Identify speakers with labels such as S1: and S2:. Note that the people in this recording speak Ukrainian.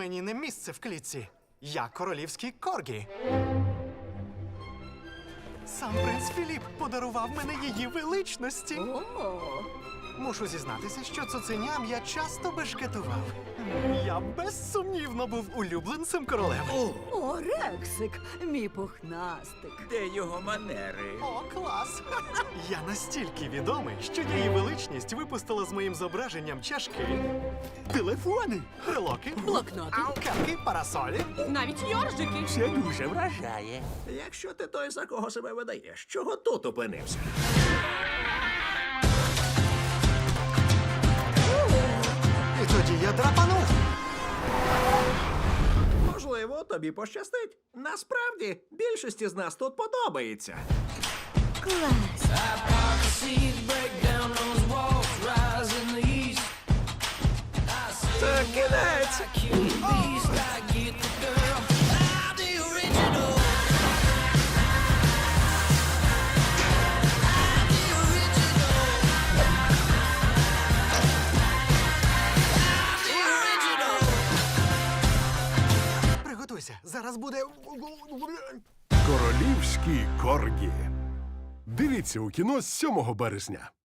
S1: Мені не місце в клітці. Я королівський коргі. Сам принц Філіп подарував мене її величності. Мушу зізнатися, що цуценям я часто бешкетував. Я безсумнівно був улюбленцем королеви.
S2: О, Рексик, мій пухнастик.
S3: Де його манери?
S1: О, клас! Я настільки відомий, що її величність випустила з моїм зображенням чашки, телефони, брелоки,
S2: Блокноти.
S1: кепки, парасолі.
S2: Навіть йоржики.
S3: Це дуже вражає. Якщо ти той, за кого себе видаєш, чого тут опинився?
S1: І тоді я драпанув.
S3: Можливо, тобі пощастить. Насправді, більшості з нас тут подобається.
S2: Клас.
S3: Це кінець!
S1: Приготуйся, зараз буде...
S4: Королівські коргі. Дивіться у кіно з 7 березня.